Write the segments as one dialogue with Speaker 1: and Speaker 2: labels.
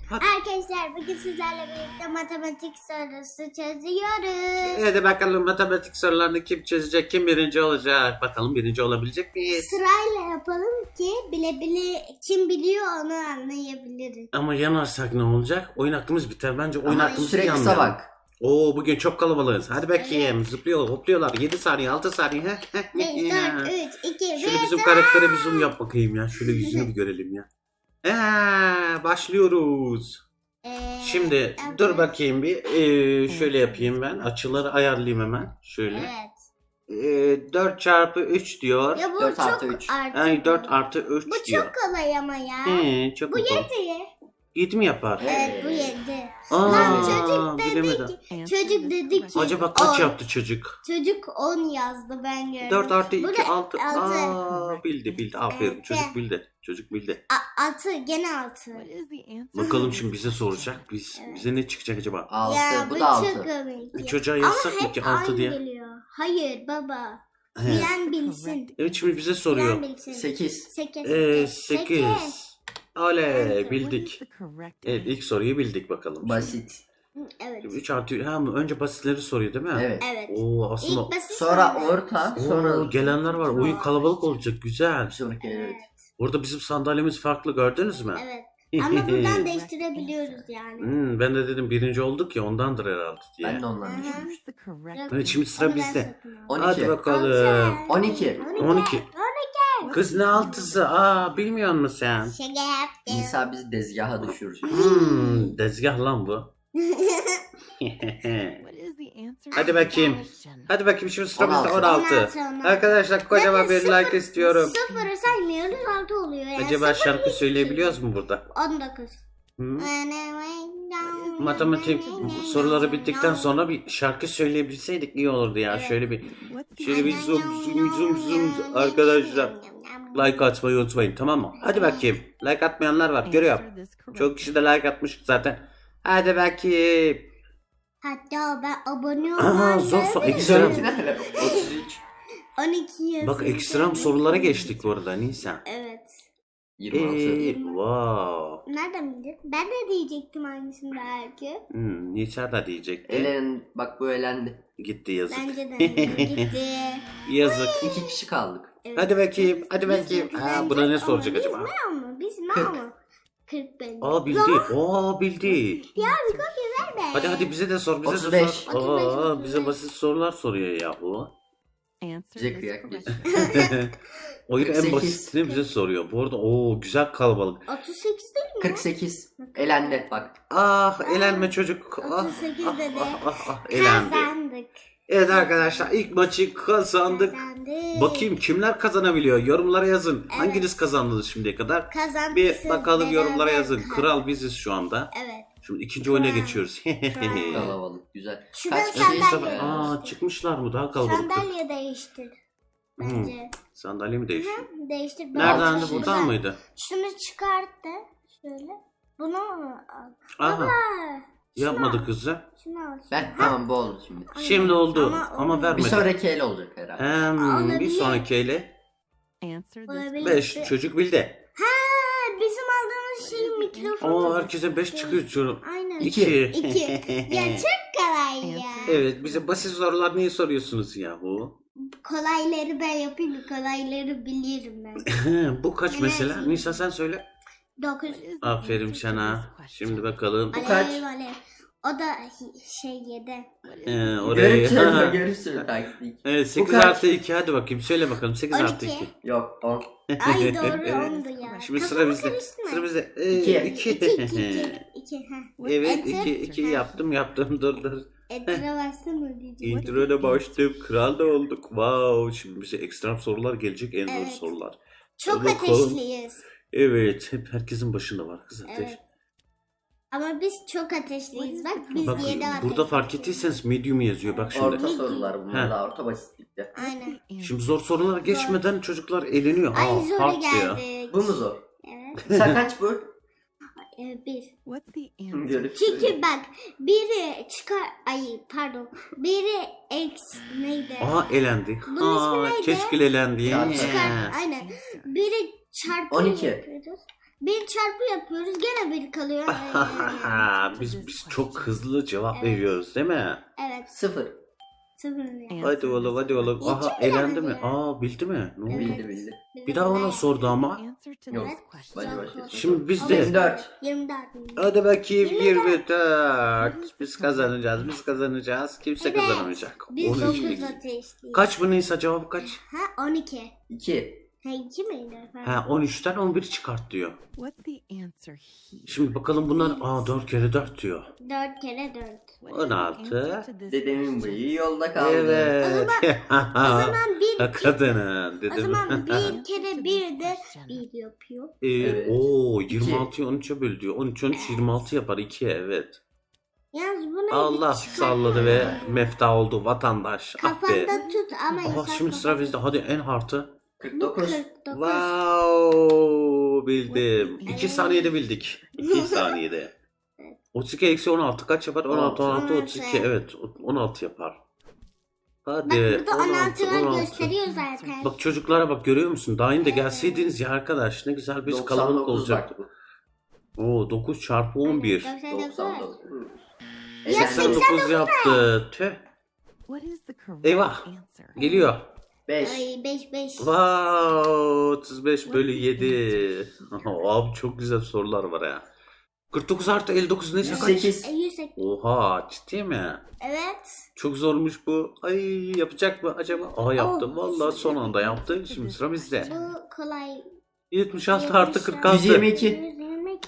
Speaker 1: Hadi.
Speaker 2: Arkadaşlar bugün sizlerle birlikte matematik sorusu çözüyoruz.
Speaker 1: Hadi bakalım matematik sorularını kim çözecek, kim birinci olacak? Bakalım birinci olabilecek miyiz?
Speaker 2: Sırayla yapalım ki bile bile kim biliyor onu anlayabiliriz.
Speaker 1: Ama yanarsak ne olacak? Oyun hakkımız biter. Bence oyun
Speaker 3: Ama
Speaker 1: hakkımızı
Speaker 3: süre kısa
Speaker 1: yanmayalım.
Speaker 3: bak.
Speaker 1: Oo, bugün çok kalabalığız. Hadi bakayım. Zıplıyor, hopluyorlar. 7 saniye, 6 saniye.
Speaker 2: 5, 4, 3, 2, 1.
Speaker 1: Şöyle bizim karaktere bir zoom yap bakayım ya. Şöyle yüzünü bir görelim ya. Başlıyoruz. Şimdi dur bakayım bir. Şöyle yapayım ben. Açıları ayarlayayım hemen. Şöyle.
Speaker 2: Evet.
Speaker 1: 4 çarpı 3 diyor.
Speaker 2: Ya bu
Speaker 3: 4
Speaker 2: çok
Speaker 3: artı 3.
Speaker 2: artı.
Speaker 1: Ay 4 artı 3
Speaker 2: Bu
Speaker 1: diyor.
Speaker 2: çok kolay ama ya.
Speaker 1: Çok
Speaker 2: Bu
Speaker 1: kolay.
Speaker 2: 7.
Speaker 1: 7 mi yapar?
Speaker 2: Evet bu 7.
Speaker 1: Aa,
Speaker 2: Lan çocuk dedi
Speaker 1: bilemedim.
Speaker 2: ki. Çocuk dedi ki.
Speaker 1: Acaba kaç
Speaker 2: 10.
Speaker 1: yaptı çocuk?
Speaker 2: Çocuk 10 yazdı ben gördüm.
Speaker 1: 4 artı 2
Speaker 2: Burada
Speaker 1: 6.
Speaker 2: 6.
Speaker 1: Aa, bildi. Aferin.
Speaker 2: Evet.
Speaker 1: Çocuk bildi. Çocuk bildi.
Speaker 2: 6 gene 6.
Speaker 1: Bakalım şimdi bize soracak. Bize ne çıkacak acaba?
Speaker 3: 6.
Speaker 2: Ya
Speaker 3: Bu
Speaker 2: bu
Speaker 3: da 6.
Speaker 2: çok komik.
Speaker 1: Bir çocuğa
Speaker 2: Ama
Speaker 1: yazsak mı
Speaker 2: hep
Speaker 1: ki 6
Speaker 2: aynı
Speaker 1: diye?
Speaker 2: geliyor. Hayır baba.
Speaker 1: He.
Speaker 2: Bilen bilsin.
Speaker 1: Evet, şimdi bize soruyor.
Speaker 2: Bilen bilsin.
Speaker 3: 8.
Speaker 2: 8.
Speaker 1: 8. Oley,
Speaker 2: Evet.
Speaker 1: bildik. Evet, ilk soruyu bildik bakalım.
Speaker 3: Basit.
Speaker 2: Evet.
Speaker 1: 3 artı önce basitleri soruyor değil mi?
Speaker 3: Evet.
Speaker 2: Evet.
Speaker 1: Oo, aslında
Speaker 2: İlk basit
Speaker 3: Sonra
Speaker 2: soru.
Speaker 3: orta. Sonra
Speaker 1: gelenler var. Oyun kalabalık olacak. Güzel.
Speaker 3: Bir sonraki evet.
Speaker 1: Burada bizim sandalyemiz farklı, gördünüz mü?
Speaker 2: Evet. Ama buradan değiştirebiliyoruz yani.
Speaker 1: Ben de dedim birinci olduk ya, ondandır herhalde diye.
Speaker 3: Ben de ondan
Speaker 2: Hı.
Speaker 3: düşünmüştüm.
Speaker 1: Evet, şimdi sıra
Speaker 2: Onu ben
Speaker 1: bizde.
Speaker 2: satın aldım.
Speaker 3: 12.
Speaker 1: Hadi bakalım.
Speaker 3: 12.
Speaker 1: 12. Kız ne altısı? Bilmiyor musun sen?
Speaker 2: Şaka yaptım.
Speaker 3: İsa bizi dezgaha düşürür.
Speaker 1: Dezgah lan bu. Hadi bakayım. Hadi bakayım, şimdi sıramızda 16.
Speaker 2: 16.
Speaker 1: Arkadaşlar kocaman bir like istiyorum.
Speaker 2: Sıfırı saymıyoruz 6 oluyor yani.
Speaker 1: Acaba şarkı söyleyebiliyoruz mu burada?
Speaker 2: 19.
Speaker 1: Matematik soruları bittikten sonra bir şarkı söyleyebilseydik iyi olurdu ya. Şöyle bir zoom arkadaşlar. Like atmayı unutmayın, tamam mı? Hadi bakayım. Like atmayanlar var, görüyorum. Çok kişi de like atmış zaten. Hadi bakayım.
Speaker 2: Hatta ben abone
Speaker 1: Aha,
Speaker 2: olmam.
Speaker 1: zor ekstrem.
Speaker 3: 33.
Speaker 2: 12 yazıyor.
Speaker 1: Bak, ekstrem sorulara geçtik bu arada Nisan.
Speaker 2: Evet.
Speaker 3: 26.
Speaker 1: Wow.
Speaker 2: Nereden bildin? Ben de diyecektim hangisini belki.
Speaker 1: Nisan da diyecekti.
Speaker 3: Bak bu elendi.
Speaker 1: Gitti, yazık.
Speaker 2: Bence de gitti.
Speaker 1: Yazık.
Speaker 3: 2 kişi kaldık.
Speaker 2: Evet.
Speaker 1: Hadi bakayım. Hadi bakayım.
Speaker 2: Bence
Speaker 1: Buna ne
Speaker 2: ama
Speaker 1: soracak acaba?
Speaker 2: Biz ne
Speaker 3: 40.
Speaker 2: ama? 40 bence.
Speaker 1: Bildi.
Speaker 2: Ya bir kopya verme.
Speaker 1: Hadi bize de sor. Bize
Speaker 3: 35.
Speaker 1: de sor.
Speaker 2: 35.
Speaker 1: Bize basit sorular soruyor yahu.
Speaker 3: Bize kıyak geç.
Speaker 1: Oyun en
Speaker 3: 48.
Speaker 1: basitini bize soruyor. Bu arada güzel kalabalık.
Speaker 2: 38 değil mi?
Speaker 3: 48. Elendi bak.
Speaker 1: Elenme çocuk.
Speaker 2: 38 dedi.
Speaker 1: Elendi.
Speaker 2: Kazandık.
Speaker 1: Evet arkadaşlar, ilk maçı kazandık.
Speaker 2: Kazandık.
Speaker 1: Bakayım kimler kazanabiliyor? Yorumlara yazın. Hanginiz kazandınız şimdiye kadar?
Speaker 2: Kazandık.
Speaker 1: Bir bakalım, yorumlara yazın.
Speaker 2: Kazandık.
Speaker 1: Kral biziz şu anda.
Speaker 2: Evet.
Speaker 1: Şimdi ikinci oyuna geçiyoruz.
Speaker 3: Kalabalık. Güzel.
Speaker 2: Şuradan
Speaker 3: Kaç
Speaker 2: sandalye.
Speaker 3: kişiyiz?
Speaker 1: Çıkmışlar mı? Daha kalabalık.
Speaker 2: Sandalye değiştir. Bence.
Speaker 1: Sandalye mi değişiyor?
Speaker 2: Değiştir.
Speaker 1: Nereden de
Speaker 3: Altı
Speaker 1: buradan
Speaker 2: Şuradan.
Speaker 1: mıydı?
Speaker 2: Şunu çıkart da. Şöyle. Bunu al.
Speaker 1: Aha,
Speaker 2: Baba.
Speaker 1: yapmadı kızı.
Speaker 2: Şunu al.
Speaker 3: Tamam bu oldu şimdi.
Speaker 1: Şimdi oldu ama
Speaker 2: olmadı.
Speaker 3: Bir
Speaker 1: vermedi.
Speaker 3: sonraki el olacak herhalde.
Speaker 1: Bir
Speaker 2: Olabilir.
Speaker 1: sonraki ele
Speaker 2: Olabilir.
Speaker 1: 5 çocuk bildi.
Speaker 2: Ha, bizim aldığımız şey mikrofon.
Speaker 1: Herkese 5 çıkıyor çocuğum.
Speaker 2: Aynen.
Speaker 1: 2.
Speaker 2: 2. Ya çok kolay ya.
Speaker 1: Evet, bize basit sorular niye soruyorsunuz yahu?
Speaker 2: Kolayları ben yapayım. Kolayları bilirim ben.
Speaker 1: Bu kaç mesela? Nisa sen söyle.
Speaker 2: 9.
Speaker 1: Aferin sana. Şimdi bakalım.
Speaker 3: Bu kaç?
Speaker 2: O da şey 7.
Speaker 1: Oraya.
Speaker 3: Görürsün taktik.
Speaker 1: Evet, 8
Speaker 3: kaç?
Speaker 1: artı 2, hadi bakayım söyle bakalım, 8 artı 2.
Speaker 2: 12.
Speaker 3: Yok 10.
Speaker 2: Ay doğru 10'du ya.
Speaker 1: Şimdi sıra
Speaker 2: Kafamı
Speaker 1: bizde.
Speaker 2: karıştırma.
Speaker 1: Sıra bizde.
Speaker 3: 2.
Speaker 2: 2.
Speaker 1: Evet,
Speaker 2: Enter.
Speaker 1: 2 yaptım dur.
Speaker 2: Enter'a bassana diyeceğim.
Speaker 1: İntro'da başladım. Kral da olduk. Wow. Şimdi bize ekstrem sorular gelecek. En zor
Speaker 2: Evet.
Speaker 1: sorular.
Speaker 2: Çok
Speaker 1: Hadi bakalım.
Speaker 2: ateşliyiz.
Speaker 1: Evet. Hep herkesin başında var kız ateş.
Speaker 2: Evet. Ama biz çok ateşliyiz. Bak biz
Speaker 1: Bak
Speaker 2: 7 ateş.
Speaker 1: burada fark ettiyseniz medium yazıyor. Bak şimdi.
Speaker 3: Orta sorular bunlar
Speaker 1: Heh.
Speaker 3: da orta basitlikte.
Speaker 2: Aynen.
Speaker 1: Şimdi zor sorulara geçmeden çocuklar eleniyor.
Speaker 2: Ay zora
Speaker 1: hard diyor.
Speaker 2: geldik.
Speaker 3: Bu mu zor?
Speaker 2: Evet.
Speaker 3: Sen kaç bu?
Speaker 2: 1.
Speaker 3: Görürsün.
Speaker 2: Çünkü bak biri çıkar. Ay pardon. Biri X neydi?
Speaker 1: Elendi.
Speaker 2: Bunun ismi neydi?
Speaker 1: Keşke elendi.
Speaker 3: Ya,
Speaker 2: Çıkar. Aynen. Biri çarpı
Speaker 3: 12.
Speaker 2: yapıyoruz. Bir çarpı yapıyoruz gene bir kalıyor.
Speaker 1: Biz çok hızlı cevap veriyoruz değil mi?
Speaker 2: Evet.
Speaker 3: 0.
Speaker 2: 0.
Speaker 1: Hadi oğlum hadi oğlum.
Speaker 2: İyi
Speaker 1: Aha
Speaker 2: ki
Speaker 1: elendi mi?
Speaker 2: bilemedi.
Speaker 1: Aa bildi mi? Ne oldu?
Speaker 3: Bildi.
Speaker 1: Bir daha ona sordu ama.
Speaker 3: Yok. Hadi başlayalım.
Speaker 1: Şimdi biz de
Speaker 3: 24.
Speaker 2: 24.
Speaker 1: hadi bakayım 24. Biz kazanacağız. Kimse
Speaker 2: Evet.
Speaker 1: kazanamayacak.
Speaker 2: Biz
Speaker 1: 12.
Speaker 2: 9 ateşliyiz.
Speaker 1: Kaç bu Nisa cevabı kaç?
Speaker 2: Ha 12.
Speaker 3: 2.
Speaker 2: Ha 2 miydi efendim?
Speaker 1: Ha 13'ten 11 çıkart diyor.
Speaker 4: What's the answer here?
Speaker 1: Şimdi bakalım bunlar 4 kere 4 diyor.
Speaker 2: 4 kere 4.
Speaker 4: What is the
Speaker 1: 16.
Speaker 4: answer to this
Speaker 3: Dedemin
Speaker 4: question?
Speaker 3: bıyığı yolda kaldı.
Speaker 1: Evet.
Speaker 2: O zaman bir
Speaker 1: Kadının
Speaker 2: o
Speaker 1: dedim.
Speaker 2: zaman bir kere 1 de 1 yapıyor.
Speaker 3: Evet.
Speaker 1: Oo
Speaker 3: İki.
Speaker 1: 26'yı 13'e böl diyor. 13 26 yapar 2 evet.
Speaker 2: Yalnız bunu
Speaker 1: Allah
Speaker 2: bir çıkar-
Speaker 1: salladı ve mefta oldu vatandaş. Ah be.
Speaker 2: Kafanda tut ama
Speaker 1: Aha
Speaker 2: yasak
Speaker 1: şimdi sıra bizde. Hadi en hartı.
Speaker 2: Bu
Speaker 3: 49.
Speaker 2: 49.
Speaker 1: Wow bildim. 2 saniyede bildik. 2 saniyede. 32 eksi 16 kaç yapar? 16 16 32 evet 16 yapar. Hadi
Speaker 2: Bak burada
Speaker 1: 16
Speaker 2: 16'lar
Speaker 1: 16.
Speaker 2: gösteriyor zaten.
Speaker 1: Bak çocuklara bak görüyor musun? Daha yeni de gelseydiniz ya arkadaş ne güzel biz kalabalık
Speaker 3: 99
Speaker 1: olacaktık.
Speaker 3: bak.
Speaker 1: Oo 9 çarpı 11.
Speaker 2: 99.
Speaker 3: 99.
Speaker 2: Ya
Speaker 1: 89 yaptı. Tüh.
Speaker 4: What is the correct
Speaker 1: Eyvah.
Speaker 4: answer?
Speaker 1: Geliyor.
Speaker 3: 5.
Speaker 2: Ay 5.
Speaker 1: Wow 35 bölü 7. Abi çok güzel sorular var ya. 49 artı 59 neyse kaç?
Speaker 3: 108.
Speaker 2: 108.
Speaker 1: Oha ciddi mi?
Speaker 2: Evet.
Speaker 1: Çok zormuş bu. Ay yapacak mı acaba? Aa yaptı. Vallahi son anda yaptı. Şimdi sıra bizde.
Speaker 2: Bu kolay.
Speaker 1: 76 artı 46.
Speaker 3: 122.
Speaker 2: 122.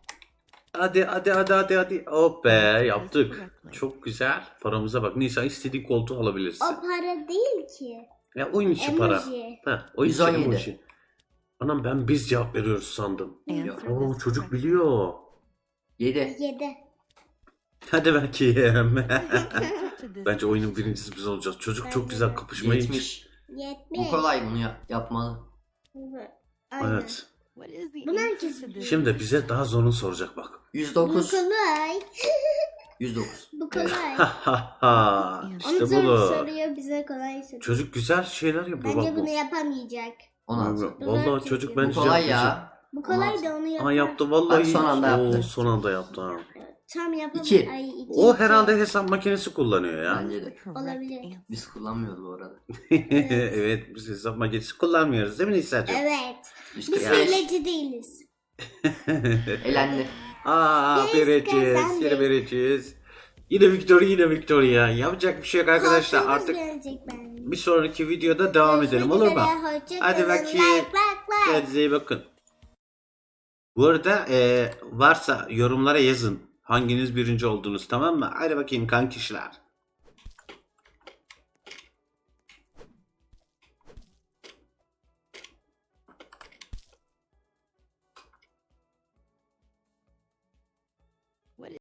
Speaker 1: Hadi. Oh be yaptık. Çok güzel. Paramıza bak. Nisa istediğin koltuğu alabilirsin.
Speaker 2: O para değil ki.
Speaker 1: Ya oyun içi para.
Speaker 2: Emoji.
Speaker 1: Ha, oyun içi
Speaker 3: 117.
Speaker 1: emoji. Anam ben biz cevap veriyoruz sandım.
Speaker 4: Answer
Speaker 1: Oo
Speaker 4: this
Speaker 1: çocuk
Speaker 4: question.
Speaker 1: biliyor.
Speaker 3: 7.
Speaker 2: 7.
Speaker 1: Hadi bakayım.
Speaker 4: Answer to this
Speaker 1: Bence oyunun birincisi biz olacağız. Çocuk çok güzel kapışmayı.
Speaker 3: 70.
Speaker 2: 70.
Speaker 3: Bu kolay bunu yapmalı.
Speaker 2: Aynen.
Speaker 1: Evet.
Speaker 4: What is the
Speaker 2: Bunlar
Speaker 4: answer
Speaker 2: kesin.
Speaker 4: to this
Speaker 1: Şimdi bize daha zorunu soracak bak.
Speaker 2: Bu
Speaker 3: 109.
Speaker 2: kolay.
Speaker 3: 109.
Speaker 2: Bu kolay.
Speaker 4: Onu
Speaker 1: işte
Speaker 2: Onu zor
Speaker 1: bu.
Speaker 2: soruyor bize kolay soruyor.
Speaker 1: Çocuk güzel şeyler yapıyor
Speaker 2: Bence
Speaker 1: bak
Speaker 2: bunu
Speaker 1: bu.
Speaker 2: yapamayacak.
Speaker 3: 16.
Speaker 1: Vallahi çocuk
Speaker 2: Bu
Speaker 1: bence
Speaker 3: Bu kolay
Speaker 1: yapacak.
Speaker 3: ya.
Speaker 2: Bu kolay
Speaker 3: 16.
Speaker 2: da onu yapar.
Speaker 1: Aa yaptı vallahi.
Speaker 3: Bak, son anda
Speaker 1: Oo,
Speaker 3: yaptı.
Speaker 1: son anda yaptı ha.
Speaker 2: Tam yapamıyor.
Speaker 3: İki.
Speaker 2: Ay, iki.
Speaker 1: O herhalde hesap makinesi kullanıyor ya.
Speaker 3: Bence de.
Speaker 4: correct
Speaker 2: Olabilir.
Speaker 4: answer?
Speaker 3: Biz kullanmıyoruz bu arada.
Speaker 1: Evet biz hesap makinesi kullanmıyoruz değil mi Nisa'cığım?
Speaker 2: Evet. Biz
Speaker 3: 145.
Speaker 2: hileci değiliz.
Speaker 3: Elendi.
Speaker 1: Aa
Speaker 2: Biz
Speaker 1: vereceğiz.
Speaker 2: kazandık.
Speaker 1: Yine vereceğiz. Yine Victoria. Yapacak bir şey yok arkadaşlar.
Speaker 2: Korkunuz
Speaker 1: Artık
Speaker 2: gelecek bence.
Speaker 1: bir sonraki videoda devam edelim olur mu? Hadi bakayım.
Speaker 2: Like.
Speaker 1: Kendinize iyi bakın. Bu arada varsa yorumlara yazın. Hanginiz birinci oldunuz tamam mı? Hadi bakayım kankişler.